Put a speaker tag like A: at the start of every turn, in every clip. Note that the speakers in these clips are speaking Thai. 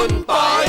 A: คุณปอย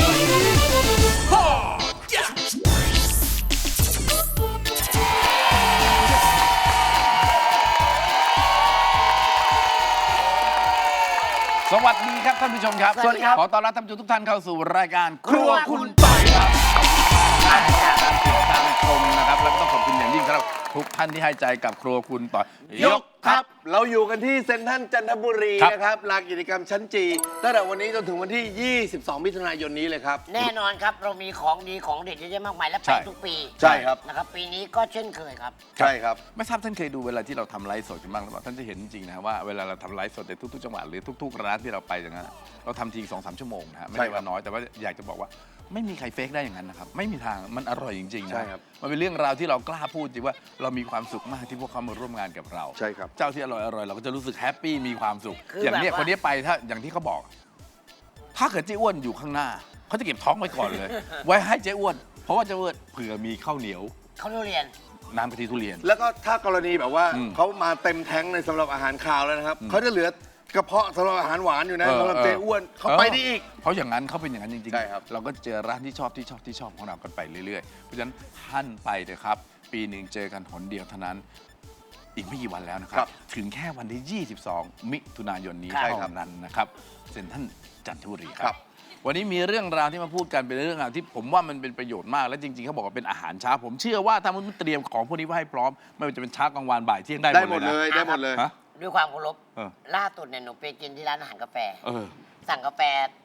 B: สวัสดีครับท่านผู้ชมครับ
C: สวัสดีครับ
B: ขอต้อนรับท่านผู้ชมทุกท่านเข้าสู่รายการครัวคุณปอยครับติดตามชมนะครับแล้วก็ต้องขอบคุณอย่างยิ่งสำหรับทุกท่านที่ให้ใจกับครัวคุณปอยยก
A: ครับเราอยู่กันที่เซ็นทรัลจันทบุรี
B: ครับ
A: นะครับลานกิจกรรมชั้นจีตั้งแต่วันนี้จนถึงวันที่ 22 มิถุนายนนี้เลยครับ
C: แน่นอนครับเรามีของดีของเด็ดเยอะแยะมากมายและ
B: ใช่
C: ไปทุกปี
A: ใช่ครับ
C: นะครับปีนี้ก็เช่นเคยครับ
A: ใช่ครับ
B: ไม่ทราบท่านเคยดูเวลาที่เราทำไลฟ์สดกันบ้างหรือเปล่าท่านจะเห็นจริงๆนะว่าเวลาเราทำไลฟ์สดในทุกๆจังหวัดหรือทุกๆร้านที่เราไปอย่างนั้นเราทำที2-3 ชั่วโมงนะฮะไม่
A: ใช่
B: ได้
A: ครับ
B: ว่าน้อยแต่ว่าอยากจะบอกว่าไม่มีใครเฟกได้อย่างนั้นนะครับไม่มีทางมันอร่อยจริงๆนะ
A: ใช่ครับ
B: มันเป็นเรื่องราวที่เรากล้าพูดจริงว่าเรามีความสุขมากที่พวกเขามาร่วมงานกับเรา
A: ใช่ครับ
B: เจ้าที่อร่อยๆเราก็จะรู้สึกแฮปปี้มีความสุข
C: คือ
B: อย่างเนี้ย
C: แบบว่า
B: คนนี้ไปถ้าอย่างที่เขาบอก ถ้าเกิดเจ๊อ้วนอยู่ข้างหน้าเขาจะเก็บท้องไว้ก่อนเลย ไว้ให้เจ๊อ้วนเพราะว่าเจ๊อ้วนเผื่อมีข้าวเหนียว
C: เขาเรียน
B: น้ำกะทิทุเรียน
A: แล้วก็ถ้ากรณีแบบว่า
B: อืม
A: เขามาเต็มแท้งในสำหรับอาหารคาวแล้วนะครับเขาจะเหลือกระเพาะสำหรับอาหารหวานอยู่นะสำหรับเจ๊อ้วนเขาไปได้อีก
B: เพราะอย่างนั้นเขาเป็นอย่างนั้นจริงๆ
A: ใช่ครับ
B: เราก็เจอร้านที่ชอบของเรากันไปเรื่อยๆ เพราะฉะนั้นท่านไปเถอะครับ ปีหนึ่งเจอกันหนเดียวเท่านั้น อีกไม่กี่วันแล้วนะครับ ถึงแค่วันที่ 22 มิถุนายนนี้
A: ใช่
B: เท่า
A: ครับ
B: นั้นนะครับเซ็นทรัลจันทบุรีค
A: ครั
B: รับ
A: บ
B: วันนี้มีเรื่องราวที่มาพูดกันเป็นเรื่องราวที่ผมว่ามันเป็นประโยชน์มากและจริงๆเขาบอกว่าเป็นอาหารเช้าผมเชื่อว่าถ้ามันเตรียมของพวกนี้ไว้ให้พร้อมไม่ว่าจะเป็นเช้ากลางวันบ่ายเที่ยงได้
A: ได้
B: ห
A: ห
B: ม
A: ม
B: ด
A: ด
B: เล
A: เลย ยได้หมดเลย
B: ฮะ
C: ด้วยความเคารพ
B: เออ
C: ล่าสุดเนี่ยหนูไปกินที่ร้านอาหารกาแฟ
B: เออ
C: สั่งกาแฟ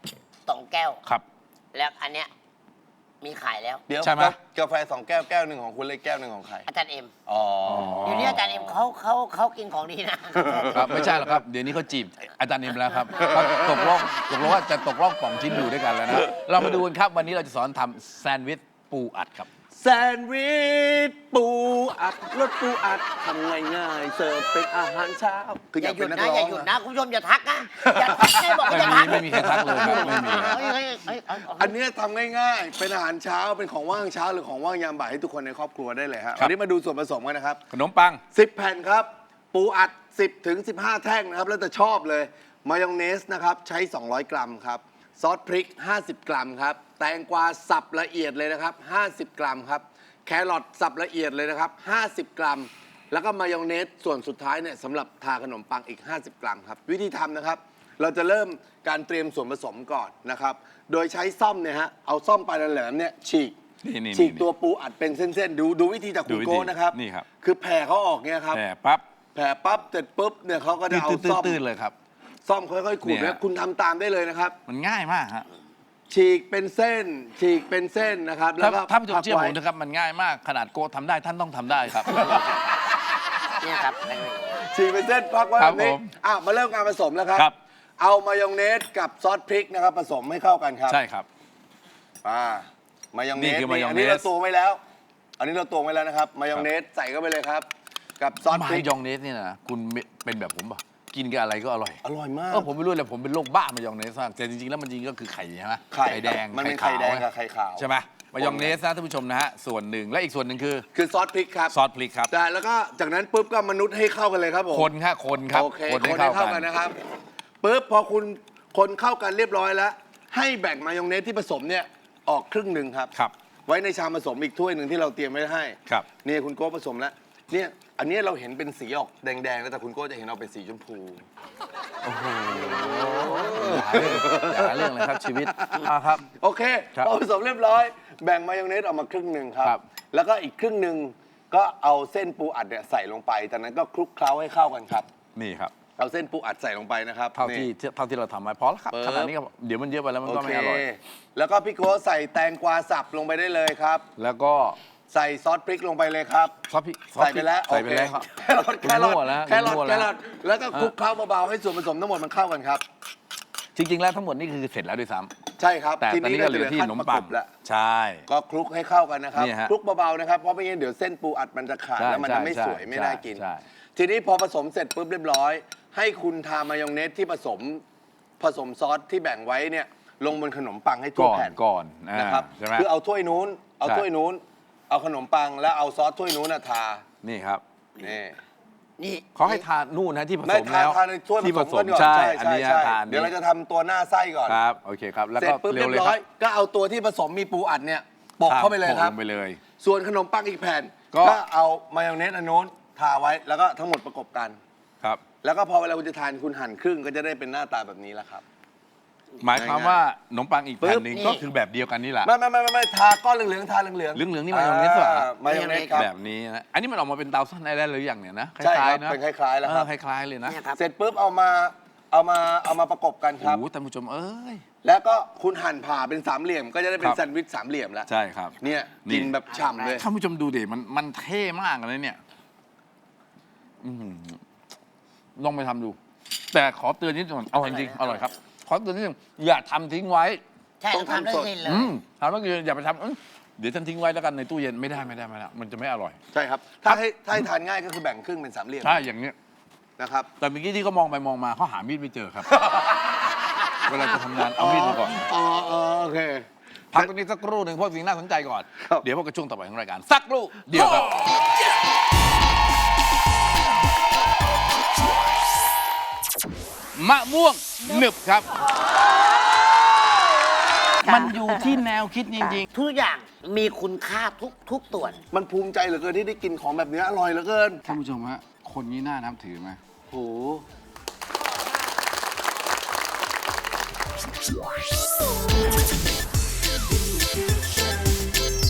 C: 2 แก้ว
B: ครับ
C: แล้วอันเนี้ยมีขายแล้ว
A: เดี๋ยว
B: ใช่ไหม
A: กาแฟ2 แก้วแก้วหนึ่งของคุณเลยแก้วหนึ่งของใคร
C: อาจารย์เอ็ม
A: อ๋อ
C: เดี๋ยวนี้อาจารย์เอ็มเขากินของดีนะครับ
B: ไม่ใช่หรอกครับ เดี๋ยวนี้เขาจีบอาจารย์เอ็มแล้วครับเขาตกลงว่าจะตกลงป่องชิ้นอยู่ด้วยกันแล้วนะ เรามาดูกันครับ วันนี้เราจะสอนทำแซนด์วิชปูอัดครับ
A: แซนด์วิชปูอัดรสปูอัดทำง่ายๆเสิร์ฟเป็นอาหารเช้าคืออ
C: อย่า
A: าก
C: หยุ
A: เป็
C: ด
A: นนัก
C: นะ
A: ร้อง
C: อย่าหยุดนะคุณผู้ชมอย่าทักนะอย่าทักให้บอกว่าอย่าทัก
B: ไม่มีใครทักเลยครับไม่มีครับ
A: อันเนี้ยทำง่ายๆ เป็นอาหารเช้าเป็นของว่างเช้าหรือของว่างยามบ่ายให้ทุกคนในครอบครัวได้เลยฮะ
B: ครับ
A: วันนี้มาดูส่วนผสมกันนะครับ
B: ขนมปัง
A: 10 แผ่นครับ ปูอัด 10 ถึง 15 แท่งนะครับ แล้วแต่ชอบเลย มายองเนสนะครับ ใช้ 200 กรัมครับ ซอสพริก 50 กรัมครับ แตงกวาสับละเอียดเลยนะครับ 50 กรัมครับ แครอทสับละเอียดเลยนะครับ 50 กรัม แล้วก็มายองเนสส่วนสุดท้ายเนี่ยสำหรับทาขนมปังอีก 50 กรัมครับ วิธีทำนะครับ เราจะเริ่มการเตรียมส่วนผสมก่อนนะครับ โดยใช้ซ่อมเนี่ยฮะ เอาซ่อมปลายแหลมๆเนี่ยฉีก
B: นี่
A: ฉีกตัวปูอัดเป็นเส้นๆ ดูวิธีจากคุณ
B: ดูวิธี
A: โก้นะครับ
B: นี่ครับ
A: คือแผ่เขาออกเนี่ยครับ
B: แผ่ปั๊บ
A: แผ่ปั๊บเสร็จปุ๊บเนี่ยเขาก็จะเอาซ่อม
B: ตื้นๆเลยครับ
A: ซ่อมค่อยๆขูด
B: เนี่ย
A: นะคุณทำตามได้เลยนะครับ
B: มันง่ายมากฮะ
A: ฉีกเป็นเส้น ฉีกเป็นเส้นนะครับแล้วก็
B: ถ้าผู้ชมเชื่อผม
A: พักไว้
B: นะครับมันง่ายมากขนาดโกทำได้ท่านต้องทำได้ครับ
C: เนี่ยครับ
A: ฉีกเป็นเส้นพักไว้
B: ค
A: แบ
B: รับบ
A: นี้
B: ผม
A: มาเริ่มการผสมแล้วครับ
B: ครับ
A: เอามายองเนสกับซอสพริกนะครับผสมให้เข้ากันครับ
B: ใช่ครับ
A: มายองเน
B: นี่
A: ส
B: คือมายองเนส
A: อันนี้เราตวงไว้แล้ว อันนี้เราตวงไว้แล้วนะครับมายองเนสใส่เข้าไปเลยครับ กับซอสพ
B: มา
A: ริก
B: ยองเนสเนี่ยนะคุณเป็นแบบผมป่ะกินกับอะไรก็อร่อย
A: อร่อยมาก
B: ผมไม่รู้เลยผมเป็นโรคบ้ามายองเนสมากแต่จริงๆแล้วมันจริงก็คือไข่ใช่ไหม
A: ไข่
B: แดง
A: มันเป็นไข่แดงกับไข่ขาว
B: ใช่ไหมมายองเนสนะท่านผู้ชมนะฮะส่วนหนึ่งและอีกส่วนหนึ่งคือ
A: คือซอสพริกครับ
B: ซอสพริกครับ
A: แต่แล้วก็จากนั้นปุ๊บก็มนุษย์ให้เข้ากันเลยครับผม
B: คนครับคนครับ
A: โอเค
B: คน
A: คน
B: ให้
A: ให้
B: เข้า
A: เข้า
B: กั
A: กัน นนะครับปุ๊บพอคุณคนเข้ากันเรียบร้อยแล้ว ให้แบ่งมายองเนสที่ผสมเนี่ยออกครึ่งหนึ่งครับ
B: ครับ
A: ไว้ในชามผสมอีกถ้วยหนึ่งที่เราเตรียมไว้ให้
B: ครับ
A: นี่คุณโก้ผสมแล้วเนี่ยอันนี้เราเห็นเป็นสีออกแดงๆแล้วแต่คุณโก้จะเห็นออกเป็นสีชมพู
B: โอ้โหอย่าเรื่องเลยครับชีวิตครับ
A: โอเค
B: ครับ
A: พอผสมเรียบร้อย แบ่งมายองเนสออกมาครึ่งหนึ่งครับ
B: ครับ
A: แล้วก็อีกครึ่งหนึ่งก็เอาเส้นปูอัดเนี่ยใส่ลงไปจากนั้นก็คลุกเคล้าให้เข้ากันครับ
B: นี่ครับ
A: เอาเส้นปูอัดใส่ลงไปนะครับ
B: เท่า
A: นี่
B: ที่เราทำไว้พอแล้วครับ
A: ปึ๊บ
B: ขนาดนี้ก็เดี๋ยวมันเยอะไปแล้วมัน
A: โอ
B: ก็
A: เค
B: ไม่อร่อย
A: แล้วก็พี่โก้ใส่แตงกวาสับลงไปได้เลยครับ
B: แล้วก็
A: ใส่ซอสพริกลงไปเลยครับ
B: ซอสพริก
A: ใส่ไปแล้ว
B: ใส่ไปแล้วครับ
A: แครอทแครอท
B: มั่วแล้ว
A: แครอท
B: มั่ว
A: แค
B: แล้ว
A: รอทแล้วก็คลุกเคล้าเบาๆให้ส่วนผสมทั้งหมดมันเข้ากันครับ
B: จริงๆแล้วทั้งหมดนี่คือเสร็จแล้วด้วยซ้
A: ใช่ครับ
B: ำแต่ตอนนี้ก็เหลือที่ขนมปัง
A: แล้ว
B: ใช่
A: ก็คลุกให้เข้ากันนะครับ
B: นี่ฮะ
A: คลุกเบาๆนะครับเพราะไม่งั้นเดี๋ยวเส้นปูอัดมันจะขาด
B: ใช่
A: แล้วมันจะไม่
B: ใช่
A: สวยไม่น่ากิน
B: ใช่
A: ทีนี้พอผสมเสร็จปุ๊บเรียบร้อย ให้คุณทามายองเนสที่ผสมซอสที่แบ่งไว้เนี่ยลงบนขนมปังให้ทั่ว
B: ก่อน
A: แผ่น
B: ก่อน
A: นะครับ
B: ใช่ไหม
A: คือเอาถ้วยนู้นเอา
B: ใช่
A: ถ้วยนู้นเอาขนมปังแล้วเอาซอสถ้วยนู้นทา
B: นี่ครับ
A: นี่
C: นี่
B: เขาให้ทานนู่นนะที่ผ
A: ไม่
B: สมแล้ว
A: ทานในถ้วยผ
B: ที่
A: ส
B: ผม ส
A: กั
B: ม
A: นก่อน
B: ใช่
A: ใช่
B: อัน
A: ใช่
B: นี้
A: ใช่
B: ทาน
A: เดี๋ยวเราจะทำตัวหน้าไส้ก่อน
B: ครับโอเคครับแล้ว
A: เสร็จ
B: ก็
A: ปุ๊บ
B: เร็
A: เรี
B: วย เลย
A: บ
B: ค
A: ร้
B: รั
A: อบ ยก็เอาตัวที่ผสมมีปูอัดเนี่ยโปะเข้าไปเลยครับ
B: โปะลงไปเลย
A: ส่วนขนมปังอีกแผ่น
B: ก็
A: ก็เอามายองเนสอันโน้นทาไว้แล้วก็ทั้งหมดประกบกัน
B: ครับ
A: แล้วก็พอเวลาคุณจะทานคุณหั่นครึ่งก็จะได้เป็นหน้าตาแบบนี้แล้วครับ
B: หมายความว่าขนมปังอีกแผ่นหนึ่ง
C: นี่
B: ก็คือแบบเดียวกันนี่แหละ
A: ไม่ทาก้อนเหลืองๆทาเหลือง
B: เหลืองๆนี่มายองเนสเหรอ
A: มายองเนสครับ
B: แบบนี้นะอันนี้มันออกมาเป็นเตาซ่อนได้หรือยังเนี่ยนะค
A: ใช่ค
B: ล้า
A: รั
B: ย
A: บ
B: ๆนะ
A: เป็นคล้ายๆแล้วครับ
B: คล้ายๆเลยนะ
C: เนี่ยครับ
A: เสร็จปุ๊บเอามาประกบกันครับ
B: โอ้โหท่านผู้ชมเอ้ย
A: แล้วก็คุณหั่นผ่าเป็นสามเหลี่ยม ก็จะได้เป็
B: ครั
A: น
B: บ
A: แซนด์วิชสามเหลี่ยมแล้ว
B: ใช่ครับ
A: เนี่ย
B: นี่
A: กินแบบฉ่ำเลย
B: ท่านผู้ชมดูดิมันเท่มากเลยเนี่ยอื้อหือลองไปทำดู แต่ขอเตือนนิดหนึงอร่อยจริงอร่อยครับ ขอเตือนนิดหนึงอย่าทำทิ้งไว้
C: ใช่
A: ต้อง
C: ทำได้
A: ทำสด
C: สิ้นเลย
B: ทำเมื่อกี้อย่าไปทำเดี๋ยวฉันทิ้งไว้แล้วกันในตู้เย็นไม่ได้มันจะไม่อร่อย
A: ใช่ครับ ถ้าให้ทานง่ายก็คือแบ่งครึ่งเป็นสามเหลี่ยม
B: ใช่อย่างเนี้ย
A: นะครับ
B: แต่เมื่อกี้ที่เขามองไปมองมาเขาหามีดไม่เจอครับ เวลาจะทำงานเอามีดมาก่อน
A: อ๋อโอเค
B: พักตรงนี้สักครู่หนึ่งเพราะสิ่งน่าสนใจก่อน
A: ครับ
B: เดี๋ยวพบกับช่วงต่อไปของรายการสักครู่เดียวครับ มะม่วงหนึบครับ มันอยู่ที่แนวคิดจริง
C: ทุกอย่างมีคุณค่าทุกส่วน
A: มันภูมิใจเหลือเกินที่ได้กินของแบบนี้อร่อยเหลือเกิน
B: ๆ ท่านผู้ชมฮะ คนนี้น่านับถือไหม
A: โห